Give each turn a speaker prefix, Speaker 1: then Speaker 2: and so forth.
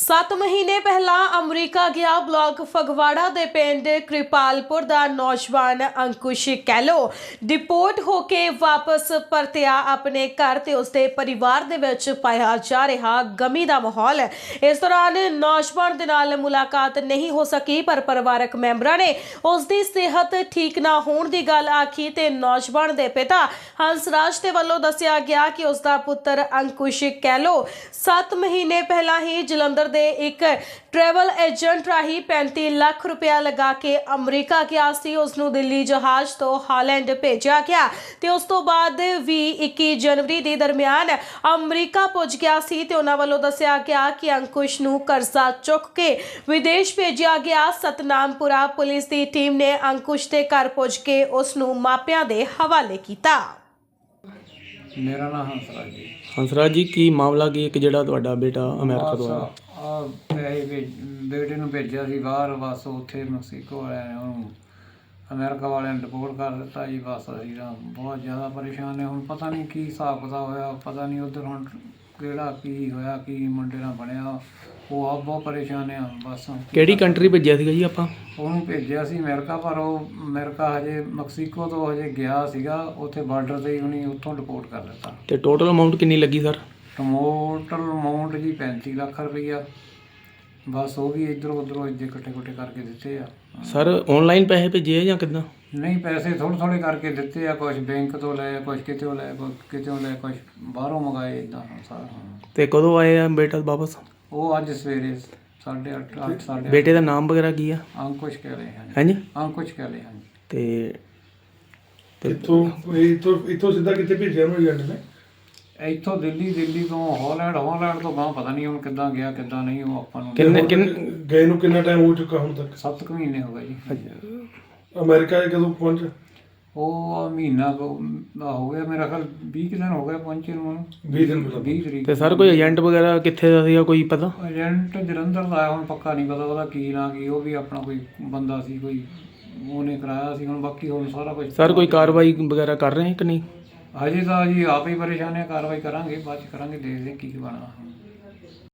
Speaker 1: 7 ਮਹੀਨੇ ਪਹਿਲਾਂ ਅਮਰੀਕਾ ਗਿਆ ਬਲਾਕ ਫਗਵਾੜਾ ਦੇ ਪਿੰਡ ਕਿਰਪਾਲਪੁਰ ਦਾ ਨੌਜਵਾਨ ਅੰਕੁਸ਼ ਕੈਲੋ ਡਿਪੋਰਟ ਹੋ ਕੇ ਵਾਪਸ ਪਰਤਿਆ ਆਪਣੇ ਘਰ ਤੇ ਉਸਦੇ ਪਰਿਵਾਰ ਦੇ ਵਿੱਚ ਪਾਇਆ ਜਾ ਰਿਹਾ ਗਮੀ ਦਾ ਮਾਹੌਲ। ਇਸ ਦੌਰਾਨ ਨੌਜਵਾਨ ਦੇ ਨਾਲ ਮੁਲਾਕਾਤ ਨਹੀਂ ਹੋ ਸਕੀ, ਪਰ ਪਰਿਵਾਰਕ ਮੈਂਬਰਾਂ ਨੇ ਉਸਦੀ ਸਿਹਤ ਠੀਕ ਨਾ ਹੋਣ ਦੀ ਗੱਲ ਆਖੀ ਤੇ ਨੌਜਵਾਨ ਦੇ ਪਿਤਾ ਹੰਸਰਾਜ ਦੇ ਵੱਲੋਂ ਦੱਸਿਆ ਗਿਆ ਕਿ ਉਸਦਾ ਪੁੱਤਰ ਅੰਕੁਸ਼ ਕੈਲੋ 7 ਮਹੀਨੇ ਪਹਿਲਾਂ ਹੀ ਜਲੰਧਰ ਦੇ ਇੱਕ ट्रैवल एजेंट राही 35 लाख रुपया लगा के अमरीका गया सी। उसनू दिल्ली जहाज तो हालैंड भेजा गया ते उस तो बाद भी 21 जनवरी के दरमियान अमरीका पुज गया सी ते उन्हां वल्लों दस्सिया गया कि अंकुश नू कर्जा चुक के विदेश भेजा गया। सतनामपुरा पुलिस की टीम ने अंकुश के घर पुज के उसनू मापियां दे हवाले किया।
Speaker 2: मेरा नाम हंसराज जी।
Speaker 3: हंसराज जी की मामला की एक ਜਿਹੜਾ ਤੁਹਾਡਾ ਬੇਟਾ ਅਮਰੀਕਾ ਤੋਂ ਆਇਆ?
Speaker 2: ਪੈਸੇ ਬੇਟੇ ਨੂੰ ਭੇਜਿਆ ਸੀ ਬਾਹਰ, ਬਸ ਉੱਥੇ ਮੈਕਸੀਕੋ ਵਾਲਿਆਂ ਨੇ ਉਹਨੂੰ ਅਮਰੀਕਾ ਵਾਲਿਆਂ ਨੇ ਰਿਪੋਰਟ ਕਰ ਦਿੱਤਾ ਜੀ। ਬਸ ਅਸੀਂ ਤਾਂ ਬਹੁਤ ਜ਼ਿਆਦਾ ਪਰੇਸ਼ਾਨ ਨੇ। ਹੁਣ ਪਤਾ ਨਹੀਂ ਕੀ ਹਿਸਾਬ ਕਿਤਾਬ ਹੋਇਆ, ਪਤਾ ਨਹੀਂ ਉੱਧਰ ਹੁਣ ਕਿਹੜਾ ਕੀ ਹੋਇਆ, ਕੀ ਮੁੰਡੇ ਨਾਲ ਬਣਿਆ। ਉਹ ਆਪ ਬਹੁਤ ਪਰੇਸ਼ਾਨ ਆ। ਬਸ
Speaker 3: ਕਿਹੜੀ ਕੰਟਰੀ ਭੇਜਿਆ ਸੀਗਾ ਜੀ ਆਪਾਂ?
Speaker 2: ਉਹਨੂੰ ਭੇਜਿਆ ਸੀ ਅਮਰੀਕਾ, ਪਰ ਉਹ ਅਮਰੀਕਾ ਹਜੇ ਮੈਕਸੀਕੋ ਤੋਂ ਹਜੇ ਗਿਆ ਸੀਗਾ, ਉੱਥੇ ਬਾਰਡਰ 'ਤੇ ਹੀ ਉਹਨੇ ਉੱਥੋਂ ਰਿਪੋਰਟ ਕਰ ਦਿੱਤਾ।
Speaker 3: ਤੇ ਟੋਟਲ ਅਮਾਊਂਟ ਕਿੰਨੀ ਲੱਗੀ ਸਰ?
Speaker 2: ਟੋਟਲ ਅਮਾਊਂਟ ਜੀ 35 ਲੱਖ ਰੁਪਈਆ। ਬਸ ਉਹ ਵੀ ਇੱਧਰੋਂ ਉੱਧਰੋਂ ਇੱਦੇ ਇਕੱਠੇ ਕਰਕੇ ਦਿੱਤੇ ਆ।
Speaker 3: ਸਰ ਆਨਲਾਈਨ ਪੈਸੇ ਭੇਜੇ ਆ ਜਾਂ ਕਿੱਦਾਂ?
Speaker 2: ਨਹੀਂ, ਪੈਸੇ ਥੋੜ੍ਹੇ ਕਰਕੇ ਦਿੱਤੇ ਆ। ਕੁਛ ਬੈਂਕ ਤੋਂ ਲਏ, ਕੁਛ ਕਿਤੋਂ ਲਏ, ਕਿਤੋਂ ਲਏ, ਕੁਛ ਬਾਹਰੋਂ ਮੰਗਾਏ, ਇੱਦਾਂ ਸਾਰਾ।
Speaker 3: ਤੇ ਕਦੋਂ ਆਏ ਆ ਬੇਟਾ ਵਾਪਸ?
Speaker 2: ਉਹ ਅੱਜ ਸਵੇਰੇ 8:30 8:30।
Speaker 3: ਬੇਟੇ ਦਾ ਨਾਮ ਵਗੈਰਾ ਕੀ ਆ?
Speaker 2: ਅੰਕੁਸ਼ ਕਹਿ ਰਹੇ ਹਨ।
Speaker 3: ਹਾਂਜੀ,
Speaker 2: ਅੰਕੁਸ਼ ਕਹਿ ਰਹੇ ਹਨ।
Speaker 3: ਤੇ
Speaker 4: ਇੱਥੋਂ ਸਿੱਧਾ ਕਿੱਥੇ ਭੇਜਿਆ ਉਹਨੂੰ ਏਜੰਟ ਨੇ?
Speaker 2: ਇੱਥੋਂ ਦਿੱਲੀ ਤੋਂ ਹਾਲੈਂਡ ਤੋਂ ਗਾਂ ਪਤਾ ਨਹੀਂ ਹੁਣ ਕਿੱਦਾਂ ਗਿਆ ਕਿੱਦਾਂ ਨਹੀਂ। ਉਹ ਆਪਾਂ ਨੂੰ
Speaker 4: ਗਏ ਨੂੰ ਕਿੰਨਾ ਟਾਈਮ ਹੋ ਚੁੱਕਾ ਹੁਣ ਤੱਕ?
Speaker 2: 7 ਮਹੀਨੇ ਹੋ ਗਏ ਜੀ।
Speaker 4: ਅਮਰੀਕਾ ਕਦੋਂ ਪਹੁੰਚੇ?
Speaker 2: ਉਹ ਮਹੀਨਾ ਹੋ ਗਿਆ, ਮੇਰਾ ਖਿਆਲ 20 ਦਿਨ ਹੋ ਗਏ ਪਹੁੰਚੇ ਨੂੰ।
Speaker 4: 20 ਦਿਨ ਪਹਿਲਾਂ।
Speaker 2: 20 ਤਰੀਕ।
Speaker 3: ਤੇ ਸਰ ਕੋਈ ਏਜੰਟ ਵਗੈਰਾ ਕਿੱਥੇ ਦਾ ਸੀਗਾ, ਕੋਈ ਪਤਾ?
Speaker 2: ਏਜੰਟ ਜਲੰਧਰ ਦਾ ਆਇਆ, ਹੁਣ ਪੱਕਾ ਨਹੀਂ ਪਤਾ ਉਹਦਾ ਕੀ ਨਾ ਕੀ। ਉਹ ਵੀ ਆਪਣਾ ਕੋਈ ਬੰਦਾ ਸੀ, ਕੋਈ ਉਹਨੇ ਕਰਾਇਆ ਸੀ। ਹੁਣ ਬਾਕੀ ਹੁਣ ਸਾਰਾ ਕੁਝ
Speaker 3: ਸਰ ਕੋਈ ਕਾਰਵਾਈ ਵਗੈਰਾ ਕਰ ਰਹੇ ਕਿ ਨਹੀਂ?
Speaker 2: ਹਜੇ ਤਾਂ ਜੀ ਆਪ ਹੀ ਪਰੇਸ਼ਾਨ ਹੈ। ਕਾਰਵਾਈ ਕਰਾਂਗੇ, ਬਾਅਦ 'ਚ ਕਰਾਂਗੇ, ਦੇਖਦੇ ਕੀ ਬਣਾ।